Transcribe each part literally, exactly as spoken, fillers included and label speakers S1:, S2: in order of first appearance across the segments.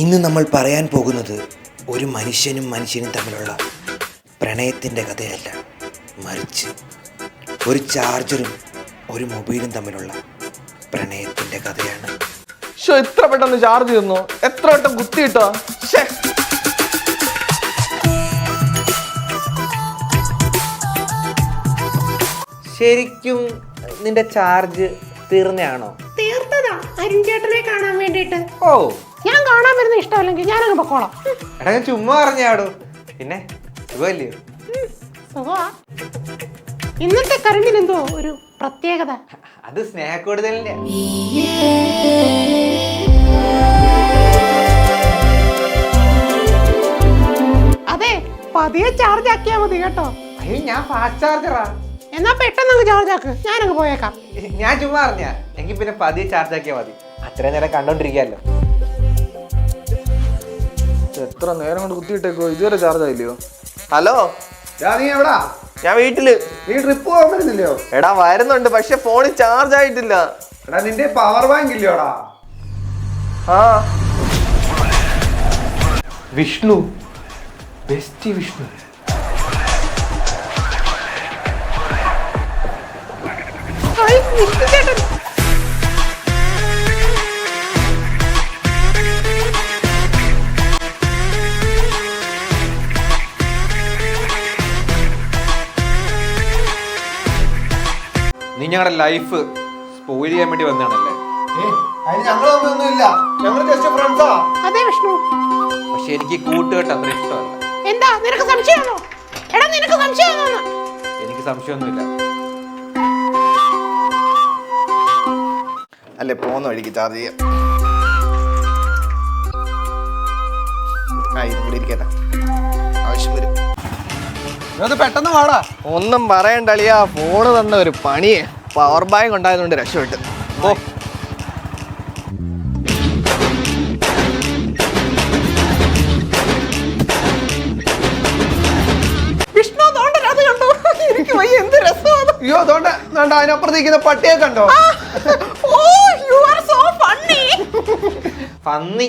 S1: ഇന്ന് നമ്മൾ പറയാൻ പോകുന്നത് ഒരു മനുഷ്യനും മനുഷ്യനും തമ്മിലുള്ള പ്രണയത്തിൻ്റെ കഥയല്ല, മറിച്ച് ഒരു ചാർജറും ഒരു മൊബൈലും തമ്മിലുള്ള പ്രണയത്തിൻ്റെ കഥയാണ്.
S2: ഷോ ഇത്ര പെട്ടെന്ന് ചാർജ് ചെയ്യുന്നു, എത്ര വട്ടം കുത്തിയിട്ടോ?
S3: ശരിക്കും നിന്റെ ചാർജ് തീർന്നയാണോ?
S4: തീർത്തതാ, അരുൺ ചേട്ടനെ കാണാൻ വേണ്ടിട്ട്.
S3: ഓ,
S4: ഞാൻ കാണാൻ വരുന്ന ഇഷ്ടമല്ലെങ്കിൽ ഞാനങ്ങ് പൊക്കോളാം.
S3: എടാ ഞാൻ ചുമ്മാ പറഞ്ഞാടോ. പിന്നെ സുഖമല്ലയോ?
S4: സുഖമാ. ഇന്നത്തെ കറണ്ടിന് എന്തോ ഒരു പ്രത്യേകത.
S3: അത് സ്നേഹ കൂടുതലിന്റെ.
S4: അതെ, പതിയെ ചാർജ് ആക്കിയാ മതി കേട്ടോ.
S3: അയ്യോ, ഞാൻ ഫാസ്റ്റ് ചാർജറാ.
S4: എന്നാ പെട്ടെന്ന് അങ്ങ് ചാർജ് ആക്ക്, ഞാനങ്ങ് പോയേക്കാം.
S3: ഞാൻ ചുമ്മാ പറഞ്ഞ എങ്കിൽ പിന്നെ പതിയെ ചാർജ് ആക്കിയാ മതി. അത്രയും നേരം കണ്ടോണ്ടിരിക്കാല്ലോ.
S2: എത്ര നേരം കൊണ്ട് കുത്തിയിട്ടേക്കോ, ഇതുവരെ ചാർജ് ആയില്ലയോ?
S5: ഹലോ,
S2: നീ എവിടാ?
S5: ഞാൻ വീട്ടില്.
S2: നീ ട്രിപ്പ് പോകാൻ പറ്റുന്നില്ലയോ?
S5: എടാ വരുന്നുണ്ട്, പക്ഷെ ഫോണിൽ ചാർജ് ആയിട്ടില്ല.
S2: എടാ നിന്റെ പവർ ബാങ്ക് ഇല്ലയോടാ?
S5: ആ
S3: വിഷ്ണു, ബെസ്റ്റ് വിഷ്ണു.
S4: ഹായ്, വിഷ്ണു ചേട്ടൻ.
S3: നീ ഞങ്ങളുടെ ലൈഫ് സ്പോയിൽ ചെയ്യാൻ വേണ്ടി വന്നതാണല്ലേ?
S4: അതെ വിഷ്ണു.
S3: പക്ഷെ എനിക്ക് കൂട്ടുകെട്ട് അത്ര ഇഷ്ടമല്ല.
S4: എന്താ നിനക്ക് സംശയമാണോ? എടാ നിനക്ക് സംശയമാണോ?
S3: എനിക്ക് സംശയമൊന്നുമില്ല.
S5: അല്ലേ, പോകുന്ന വഴിക്ക് ചാർജ് ചെയ്യാം. ആ ഇതും കൂടി ഇരിക്കട്ടെ, ആവശ്യം വരും.
S2: പെട്ടെന്ന് വാടാ.
S5: ഒന്നും പറയണ്ടളിയാ, ഫോണ് തന്ന ഒരു പണിയെ. പവർ ബാങ്ക് ഉണ്ടായതുകൊണ്ട് രക്ഷപ്പെട്ട്. ഓ
S4: വിഷ്ണു തോണ്ടൽ അത് കണ്ടോ? എനിക്ക് വയ്യ, എന്ത് രസമാണ്.
S2: അയ്യോ, അതുകൊണ്ട് അതിനപ്പുറത്തേക്കുന്ന പട്ടിയെ കണ്ടോ?
S4: ഓ, യു ആർ സോ ഫണ്ണി.
S3: പന്നി.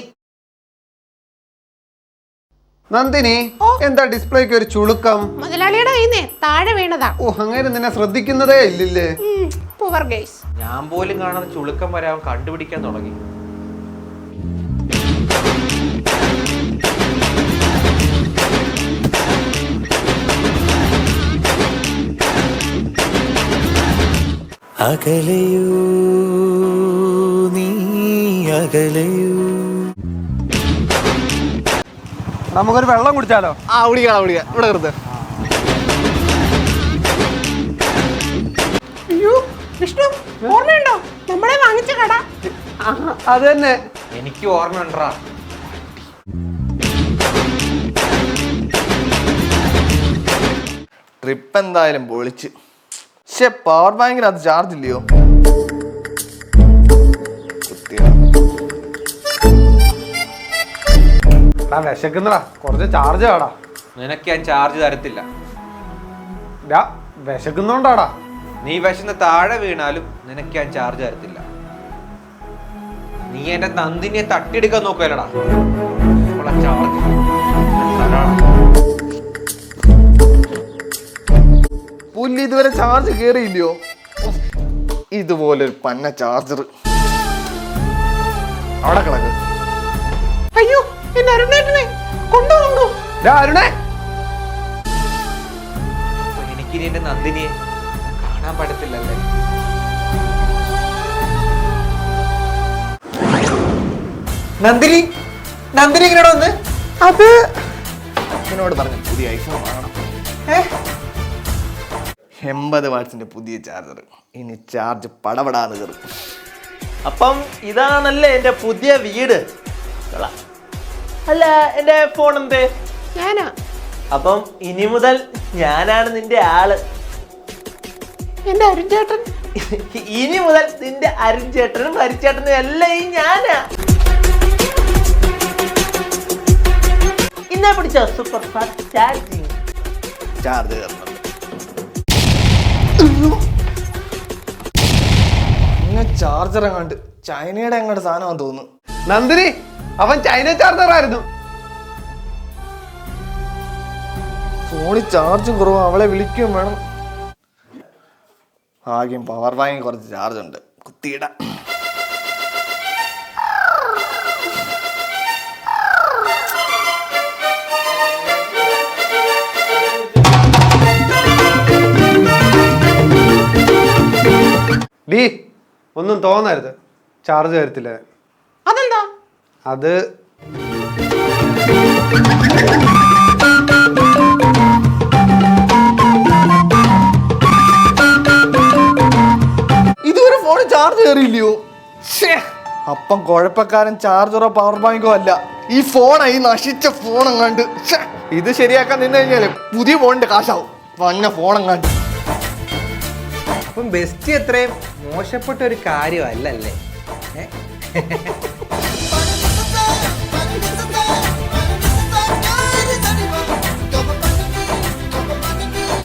S2: നന്ദിനി, എന്താ ഡിസ്പ്ലേക്ക് ഒരു ചുളുക്കം?
S4: മുതലാളിയുടെ കയ്യിന്നേ താഴെ വീണതാ.
S2: ഓ, അങ്ങനെ നിന്നെ ശ്രദ്ധിക്കുന്നതേ ഇല്ലില്ലേ?
S4: Poor guys.
S3: ഞാൻ പോലും കാണാതെ ചുളുക്കം വരാൻ കണ്ടുപിടിക്കാൻ തുടങ്ങി.
S1: അകലയൂ നീ അകലയൂ.
S2: നമുക്കൊരു വെള്ളം കുടിച്ചാലോ?
S5: ആ കുടിക്കാം കുടിക്കാം, ഇവിടെ കരുത്.
S4: അയ്യോ വിഷ്ണു, ഓർമ്മയുണ്ടോ നമ്മളെ വാങ്ങിച്ച കട?
S2: അത് തന്നെ.
S3: എനിക്ക് ഓർമ്മയുണ്ടാ.
S5: ട്രിപ്പ് എന്തായാലും പൊളിച്ച്. പക്ഷെ പവർ ബാങ്കിന് അത് ചാർജ് ഇല്ലയോ?
S2: വിശക്കുന്നടാ, കുറച്ച് ചാർജ് ആടാ.
S3: നിനക്ക് ഞാൻ ചാർജ് തരത്തില്ല.
S2: വിശക്കുന്നോണ്ടാടാ.
S3: നീ വിശന്ന് താഴെ വീണാലും നിനക്ക് ഞാൻ ചാർജ് തരത്തില്ല. നീ എന്റെ നന്ദിനിയെ തട്ടിയെടുക്കാൻ നോക്കലടാ. ചാർജ്
S5: പുല്ല് ഇതുവരെ ചാർജ് കേറിയില്ലയോ? ഇതുപോലൊരു പന്ന ചാർജർ അവിടെ കിടക്ക്.
S4: അയ്യോ, എന്റെ അരുണേട്ടനെ കൊണ്ടുപോകുന്നു.
S2: അരുണേ,
S3: എനിക്കിനി എന്റെ നന്ദിനിയെ കാണാൻ പറ്റത്തില്ലല്ലേ? നന്ദിനി, നന്ദിനി ഇങ്ങനെ വന്ന്
S5: അത് അച്ഛനോട് പറഞ്ഞു പുതിയ ഐഫോൺ വാങ്ങണം. എൺപത് വാട്സിന്റെ പുതിയ ചാർജർ. ഇനി ചാർജ് പടപടാന്ന് കയറും.
S6: അപ്പം ഇതാണല്ലേ എന്റെ പുതിയ വീട്. അല്ല, എന്റെ ഫോൺ എന്തേ?
S4: ഞാനാ.
S6: അപ്പം ഇനി മുതൽ ഞാനാണ് നിന്റെ ആള്.
S4: എന്റെ അരുൺ ചേട്ടൻ.
S6: ഇനി മുതൽ നിന്റെ അരുൺ ചേട്ടനും ഹരിച്ചേട്ടനും എല്ലാം ഈ ഞാനാ. ഇന്നെ പിടിച്ച സൂപ്പർ ഫാസ്റ്റ് ചാർജിങ്.
S5: ചാർജ് കയറുന്നുണ്ട്. ചാർജർ എങ്ങാണ്ട് ചൈനയുടെ എങ്ങോട്ട് സാധനമാണെന്ന് തോന്നുന്നു.
S2: നന്ദിനി, അവൻ ചൈന ചാർജർ ആയിരുന്നു.
S5: ഫോണിൽ ചാർജും കുറവ്, അവളെ വിളിക്കുകയും വേണം. ആകെയും പവർ ബാങ്ക് കുറച്ച് ചാർജ് ഉണ്ട്, കുത്തിയിടാം.
S2: ഡീ ഒന്നും തോന്നരുത്, ചാർജ് തരത്തില്ല.
S4: അതെന്താ?
S2: അത്
S5: ഇതുവരെ ഫോണിൽ ചാർജ് കയറിയില്ലയോ? അപ്പം കുഴപ്പക്കാരൻ ചാർജറോ പവർ ബാങ്കോ അല്ല, ഈ ഫോണായി നശിച്ച ഫോണെങ്ങാണ്ട്. ഇത് ശരിയാക്കാൻ നിന്ന് കഴിഞ്ഞാല് പുതിയ ഫോണിന്റെ കാശാവും. വന്ന ഫോണെങ്ങാണ്ട്.
S3: അപ്പം ബെസ്റ്റ് അത്രയും മോശപ്പെട്ട ഒരു കാര്യമല്ലല്ലേ?